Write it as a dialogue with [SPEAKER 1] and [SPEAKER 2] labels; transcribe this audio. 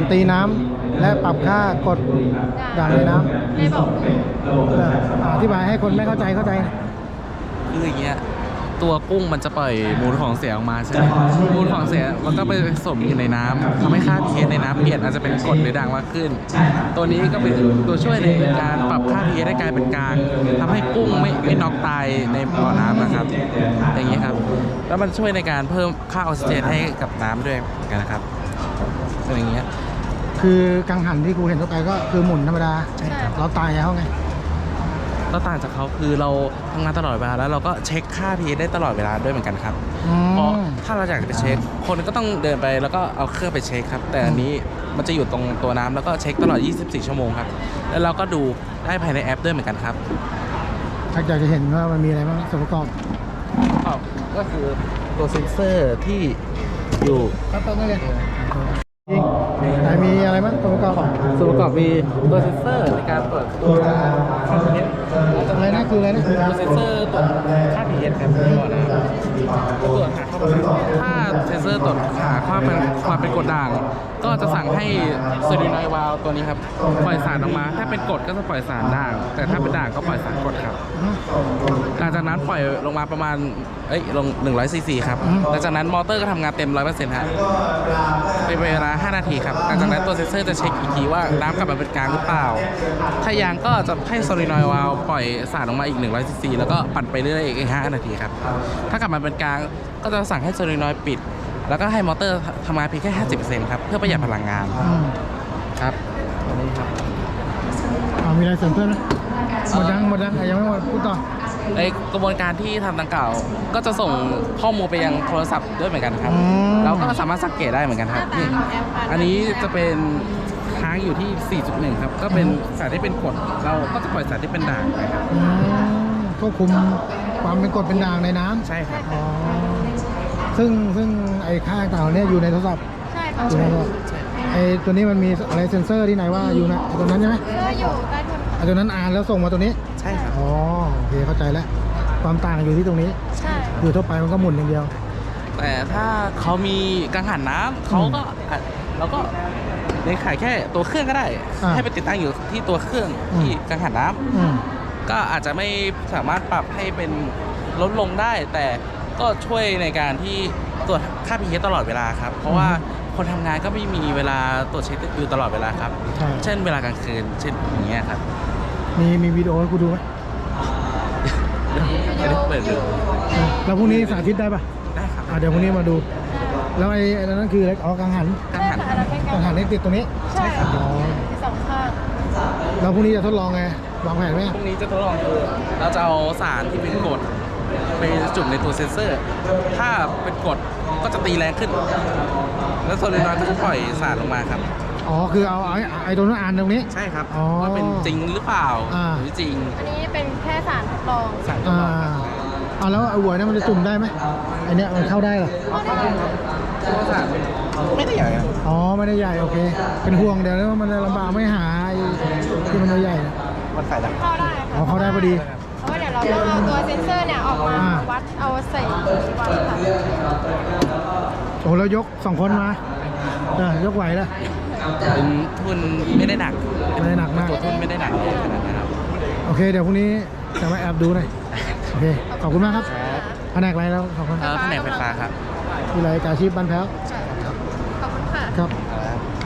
[SPEAKER 1] ตีน้ำและปรับค่ากดด่างในน้ำ
[SPEAKER 2] ไม่บอก
[SPEAKER 1] อธิบายให้คนไม่เข้าใจ
[SPEAKER 3] คืออย่างเงี้ยตัวกุ้งมันจะปล่อยมูลของเสียออกมาใช่ไหมมูลของเสียมันก็ไปผสมอยู่ในน้ำทำให้ค่า pH ในน้ำเปลี่ยนอาจจะเป็นกรดหรือด่างมากขึ้นตัวนี้ก็เป็นตัวช่วยในการปรับค่า pH ให้กลายเป็นกลางทำให้กุ้งไม่น็อกตายในบ่อน้ำนะครับอย่างนี้ครับแล้วมันช่วยในการเพิ่มค่าออกซิเจนให้กับน้ำด้วยกันนะครับเป็นอย่างเงี้ย
[SPEAKER 1] คือกังหันที่กูเห็นทั่วไปก็คือหมุนธรรมดา
[SPEAKER 2] ใช่ครับ
[SPEAKER 1] เราตายเขาไง
[SPEAKER 3] ก็ต่างจากเขาคือเราทำงานตลอดเวลาแล้วเราก็เช็คค่า pH ได้ตลอดเวลาด้วยเหมือนกันครับเพราะถ้าเราอยากจะไปเช็คคนก็ต้องเดินไปแล้วก็เอาเครื่องไปเช็คครับแต่อันนี้มันจะอยู่ตรงตัวน้ำแล้วก็เช็คตลอด24ชั่วโมงครับแล้วเราก็ดูได้ภายในแอปด้วยเหมือนกันครับ
[SPEAKER 1] ถ้าอยากจะเห็นว่ามันมีอะไรบ้างส่วนประกอบ
[SPEAKER 3] ก็คือตัวเซ็นเซอร์ที่อยู่
[SPEAKER 1] ครับตรงนี้เลยแต่มีอะไรบ้างส่วนประกอบ
[SPEAKER 3] มีตัวเซ็นเซอร์ในการตรวจตัว
[SPEAKER 1] อะไรนะคืออะไรนะ
[SPEAKER 3] ตัวเซ็นเซอร์ตรวจค่า pH ครับก่อนนะครับตรวจหาเข้าไปถ้าเซ็นเซอร์ตรวจหาความเป็นกรดด่างก็จะสั่งให้โซดีนอยวาลตัวนี้ครับปล่อยสารออกมาถ้าเป็นกรดก็จะปล่อยสารด่างแต่ถ้าเป็นด่างก็ปล่อยสารกรดครับหลังจากนั้นปล่อยลงมาประมาณลง100ซีซีครับหลังจากนั้นมอเตอร์ก็ทำงานเต็ม 100% ฮะเป็นเวลา5นาทีครับหลังจากนั้นตัวเซ็นเซอร์จะเช็คอีกทีว่าน้ำกลับมาเป็นกลางหรือเปล่าถ้ายางก็จะให้โซลีนอยวาลปล่อยสารออกมาอีก100ซีซีแล้วก็ปั่นไปเรื่อยๆอีก5นาทีครับถ้ากลับมาเป็นกลางก็จะสั่งให้โซลีนอยปิดแล้วก็ให้มอเตอร์ทำงานเพียงแค่ 50% ครับเพื่อประหยัดพลังงานครับอันนี้ครับ
[SPEAKER 1] มีอะไรเสริมเพิ่มไหมหมดยังยังไม่หมดพูดต่อ
[SPEAKER 3] ในกระบวนการที่ทำดังกล่าวก็จะส่งข้อมูลไปยังโทรศัพท์ด้วยเหมือนกันครับเราก็สามารถสังเกตได้เหมือนกันครับอันนี้จะเป็นค้างอยู่ที่ 4.1 ครับก็เป็นสารที่เป็นกรดเราก็จะปล่อยสารที่เป็นด่างไปครับ
[SPEAKER 1] ควบคุมความเป็นกรดเป็นด่างในน้ำ
[SPEAKER 3] ใช่ครับ
[SPEAKER 1] ซึ่งไอ้ค่าต่างๆเนี่ยอยู่ในโทรศัพท์
[SPEAKER 2] ใช่ค่ะ
[SPEAKER 1] ไอ้ตัวนี้มันมีอะไรเซ็นเซอร์ที่ไหนว่าอยู่นะตัวนั้นใช่ไหม
[SPEAKER 2] อยู่ใต้ทุน
[SPEAKER 1] ตัวนั้นอ่านแล้วส่งมาตัวนี้
[SPEAKER 3] ใช่ครับ
[SPEAKER 1] โอเคเข้าใจแล้วความต่างอยู่ที่ตรงนี้
[SPEAKER 2] ใช่
[SPEAKER 1] อยู่ทั่วไปมันก็หมุนอย่างเดียว
[SPEAKER 3] แต่ถ้าเขามีกังหันน้ำเขาก็เราก็ในขายแค่ตัวเครื่องก็ได้ให้ไปติดตั้งอยู่ที่ตัวเครื่องที่กังหันน้ำก็อาจจะไม่สามารถปรับให้เป็นลดลงได้แต่ก็ช่วยในการที่ตรวจค่า pH ตลอดเวลาครับเพราะว่าคนทำงานก็ไม่มีเวลาตรวจเช็คอยู่ตลอดเวลาครับเช่นเวลากลางคืนเช่นอย่างเงี้ยครับ
[SPEAKER 1] มีวิดีโอให้กูดูไหม
[SPEAKER 3] ไม่ได้เปิดดู
[SPEAKER 1] แล้วพรุ่งนี้สาธิตได้ปะ
[SPEAKER 3] ได้ครับ
[SPEAKER 1] เดี๋ยวพรุ่งนี้มาดูแล้วไอ้นั้นคืออะไรกังหันนี่ติดตรงนี้
[SPEAKER 2] ใช่ค่ะสองข้าง
[SPEAKER 1] แล้วพรุ่งนี้จะทดลองไงวางแผนไหม
[SPEAKER 3] พรุ่งนี้จะทดลองคือเราจะเอาสารที่เป็นกรดไปจุ่มในตัวเซ็นเซอร์ถ้าเป็นกรดก็จะตีแรงขึ้นแล้วโซลีนอยด์ก็จะปล่อยสารลงมาครับ
[SPEAKER 1] คือเอาไอ้ตัวนั้นอ่านตรงนี้
[SPEAKER 3] ใช่ครับว่าเป็นจริงหรือเปล่าหรือจริง
[SPEAKER 2] อันนี้เป็นแค่สารทดลอง
[SPEAKER 1] แล้วไอ้หัวเนี่ยมันจะจุ่มได้ไหมไอเนี้ยมันเข้าได้หรอ
[SPEAKER 3] ไม่ได้ใหญ่
[SPEAKER 1] ไม่ได้ใหญ่โอเคเป็นห่วงเดี๋ยวแล้วมันจะลำบากไม่หาที่มันใหญ่
[SPEAKER 3] มันใส่ได้
[SPEAKER 2] เข้าได้ค่ะ
[SPEAKER 1] เข้าได้พอดี
[SPEAKER 2] เพราะว่าเดี๋ยวเราจะเอาตัวเซ็นเซอร์เนี่ยออกมาวัดเอาใส่วัด
[SPEAKER 1] ค่ะแล้วยก2 คนมายกไหวแล้ว
[SPEAKER 3] เป็นทุนไม่ได้หนัก
[SPEAKER 1] มาก
[SPEAKER 3] ทุนไม่ได้หนักขนาดนั้นครับ
[SPEAKER 1] โอเคเดี๋ยวพรุ่งนี้จะมาแอบดูหน่อยโอเคขอบคุณมากครับแผนกอะไรแล้วขอบคุณ
[SPEAKER 3] แผนกไฟฟ้าครับ
[SPEAKER 1] วิไลกาชีพบ้านแพ้ว
[SPEAKER 2] ขอบคุณค่ะ
[SPEAKER 1] ครับ